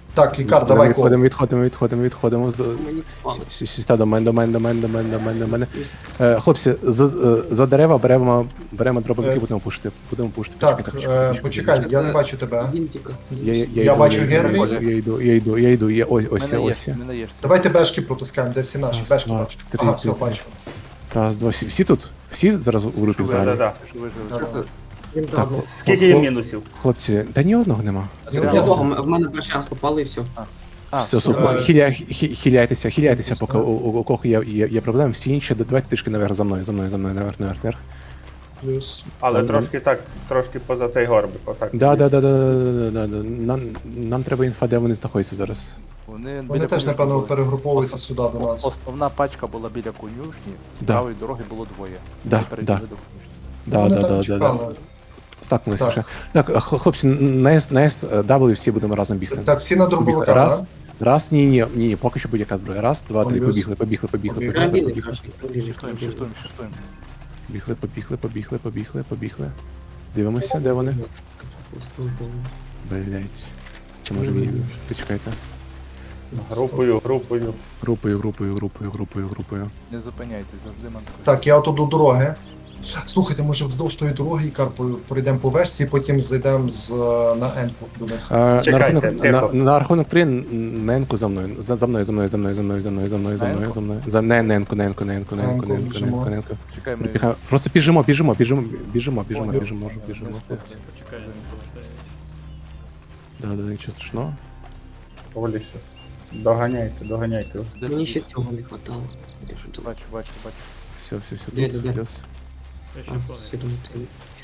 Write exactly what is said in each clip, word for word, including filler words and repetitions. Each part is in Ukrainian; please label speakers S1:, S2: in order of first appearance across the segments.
S1: Так, Ікар, давай кол.
S2: Відходимо, відходимо, відходимо, відходимо. З-
S3: Мені палить.
S2: Сі- Сіста до мене, до мене, до мене, до мене, до мене, до мене. Е, Хлопці, за, за дерева беремо, беремо дробовики,
S1: Е,
S2: будемо пушити. Будемо пушити.
S1: Так,
S2: Почекай,
S1: е,
S2: почекай,
S1: почекай, я не бачу тебе.
S3: Він тільки.
S2: Я, я, я,
S1: Я
S2: йду,
S1: бачу
S2: я, йду,
S1: Генрі.
S2: я йду, я йду, я йду, я ось, ось,
S4: Не
S2: ось.
S4: наєшся,
S2: я.
S4: не наєшся.
S1: Давайте бешки протискаємо, де всі наші.
S2: Раз,
S1: Бешки
S2: два,
S1: бачу.
S2: три,
S1: Ага,
S2: три,
S1: все,
S2: три.
S1: бачу.
S2: Раз, два, всі, всі тут? Всі зараз у групі
S5: Да,
S2: взагалі?
S5: да, да.
S1: Да-да.
S3: Він
S2: Так,
S3: дав.
S5: Скільки є мінусів?
S2: Хлопці, та ні одного нема.
S1: Ні
S3: Я
S1: одного.
S3: богом, в мене перший раз попали і все.
S4: А,
S2: Все, супер.
S1: Е,
S2: Хіля, хі- хіляйтеся, хіляйтеся,
S1: якось,
S2: поки
S1: так.
S2: у, у, у кого є, є, є проблеми. Всі інші, давайте трішки наверх за мною, за мною, за мною, наверх, наверх, наверх.
S1: Плюс.
S5: Але
S2: Ага.
S5: трошки так, трошки поза цей горбик, отак.
S2: Да, да, да, да, да, да, да. Нам, нам треба інфа, де вони знаходяться зараз.
S4: Вони,
S1: Вони
S4: біля
S1: теж,
S4: конюшні
S1: напевно,
S4: були.
S1: перегруповуються сюди до нас.
S4: Основна пачка була біля конюшні, з
S2: Да.
S4: правої дороги було двоє.
S2: Да,
S4: Вони перебігли
S2: да.
S4: до конюшні.
S2: Да,
S1: Вони
S2: да,
S1: там
S2: да, да, да.
S1: чекали.
S2: Стакнулися
S1: Так.
S2: вже. Так, хл- хлопці, на S, на S, W всі будемо разом бігти.
S1: Так, всі на дробовиках,
S2: Раз,
S1: да?
S2: раз, ні, ні, ні, поки що будь-яка зброя. Раз, два, три,
S1: Плюс.
S2: побігли, побігли, побігли, побігли,
S3: Карабіни,
S2: побігли,
S3: краще, карабіни,
S4: Шифтуємо,
S3: карабіни.
S4: шифтуємо, шифтуємо.
S2: побігли, побігли, побігли, побігли, побігли. Дивимося, де вони. Блять. Чи може він? Почекайте.
S5: Групою, групою.
S2: Групою, групою, групою, групою, групою.
S4: Не зупиняйтесь, завжди мансуйте.
S1: Так, я отут до дороги. Слухайте, може вздовж тої дороги, Ікар, по- пройдемо по вешці, потім зайдемо з, е, на Енку до них.
S2: А, на,
S5: Чекайте,
S2: рахунок, на,
S5: тихо.
S2: на рахунок три на енку за мною. За, за мною, за мною, за мною, за мною, за мною, за мною, за
S4: На
S2: мною,
S4: енку?
S2: за мною. За не, на енку, на енку, на енку, на енку,
S1: Енку,
S2: на енку, на
S1: біжимо.
S2: енку, на енку.
S4: Чекай, ми...
S2: Прибігаємо. Просто біжимо, біжимо, біжимо, біжимо, біжимо,
S4: Понял.
S2: біжимо, біжимо, хлопці.
S6: Почекай, не поставить.
S2: Да, да, нічого страшного.
S5: Поволіше. Доганяйте, доганяйте.
S4: Де
S3: Мені
S4: ти?
S3: ще цього не хватало. Я що тут?
S4: Бачу, бачу, бачу.
S2: Все, все, все,
S3: Де,
S2: тут,
S3: де, де?
S2: плюс.
S6: Я ще
S3: А,
S6: плану.
S3: всі думають, ти-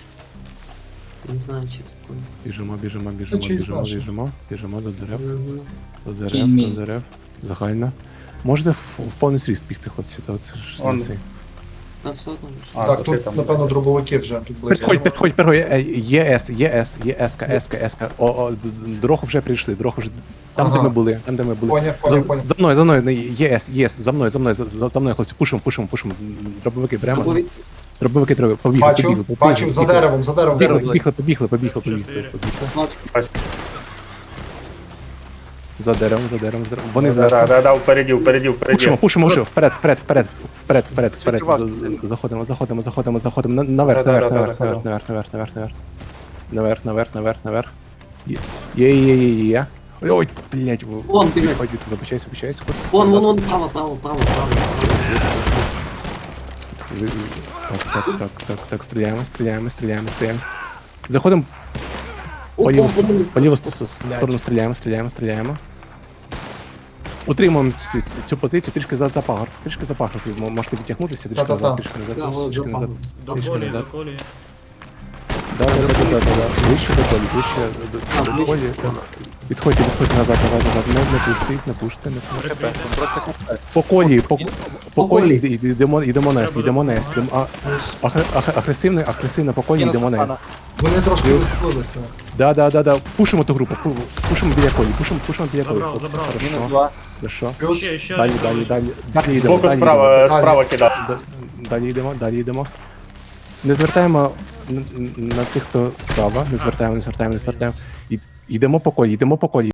S3: Не знаю, чи це понял.
S2: Біжимо, біжимо, біжимо,
S1: чиїсь
S2: біжимо,
S1: наші.
S2: біжимо, біжимо до дерев,
S3: Мгм.
S2: до дерев, до дерев. Загально. Можете в, в повний зріст бігти, хлопці, то це ж
S5: Он.
S2: не цей.
S3: Та все одно.
S5: А,
S1: Так,
S5: то ти
S1: тут,
S5: там.
S1: напевно, дробовики вже тут близько.
S2: Підходь, підходь, підходь, е, ЄС, ЄС, ЄС, ЕС, ЕС, о, о, д- д- дорогу вже прийшли, дорогу вже, там, де
S1: Ага.
S2: ми були, там, де ми були.
S1: Поняв,
S2: За,
S1: поняв, поняв.
S2: за мною, за мною, не, ЄС, ЄС, за мною, за мною, за, за за мною, хлопці, пушимо, пушимо, пушимо, дробовики
S3: Або
S2: беремо,
S3: від...
S2: дробовики треба, побігли,
S1: Бачу,
S2: побігли, побігли,
S1: бачу, за
S2: побігли,
S1: деревом, за деревом.
S2: побігли,
S1: бігли.
S2: побігли, побігли, побігли, побігли,
S6: Чотири.
S2: побігли,
S3: Бачу.
S2: за деревом, за деревом, за деревом, вони
S5: Да, да,
S2: зверху.
S5: да, да, впереді, впереді,
S2: Пушимо,
S5: впереді.
S2: пушимо вже, вперед, вперед, вперед, вперед, вперед, вперед,
S4: Скільки вас
S2: За-
S4: тут?
S2: за- заходимо, заходимо, заходимо, заходимо, на- наверх,
S5: Да, да,
S2: наверх,
S5: да,
S2: наверх,
S5: да,
S2: наверх,
S5: да.
S2: наверх, наверх, наверх, наверх, наверх, наверх, наверх, наверх. Є, є, є, є, є, є. Ой, ой, блядь, ви-
S3: Вон, блядь.
S2: Ходіть, вибачайся, вибачайся.
S3: Вон, вон, вон, право, право, право, право.
S2: Ви- Так, так, так, так, так, стріляємо, стріляємо, стріляємо, стріляємо. Заходимо
S3: О,
S2: по ліву,
S3: о, о,
S2: по ліву с- с- сторону, стріляємо, стріляємо, стріляємо. Утримуємо цю, цю позицію трішки за, за пагор, трішки за пагор. Ви можете відтягнутися, трішки
S1: Та-та-та.
S2: назад, трішки назад,
S3: Да, вот,
S2: трішки
S3: за
S2: назад.
S3: пагор.
S2: Трішки
S6: Доколі,
S2: назад.
S6: доколі.
S2: Да, да, да, да, да, да. Вище до колі, вище до,
S3: А,
S2: до
S3: вище.
S2: колі. Відходьте, відходьте назад, назад, назад. Не, не пушти, не пушти, не пушти.
S6: Прикрийте.
S2: По колі, по, по
S3: По
S2: колі
S3: колі.
S2: йде- йдемо, йдемо нес,
S6: Треба
S2: йдемо нес.
S6: допомагати.
S2: Йдемо, а, агр- агр- агресивно, агресивно по колі
S4: Мінус
S2: йдемо
S4: Стефана.
S2: нес.
S1: Вони трошки
S2: Плюс.
S1: розплилися.
S2: Да, да, да, да. Пушимо ту групу, пу- пушимо біля колі, пушимо, пушимо біля колі.
S6: Забрав,
S2: хлопці.
S6: забрав.
S4: Мінус
S2: Хорошо,
S4: два.
S2: хорошо.
S1: Плюс.
S6: Ще, ще
S2: Далі,
S6: один
S2: далі,
S6: колись.
S2: далі. Далі йдемо,
S5: Збоку
S2: далі
S5: справа,
S2: йдемо.
S5: справа кидав.
S2: Да- Далі йдемо, далі йдемо. Не звертаємо н- н- на тих, хто справа, не звертаємо, не звертаємо, не звертаємо. Ід- Йдемо по колі, йдемо по колі.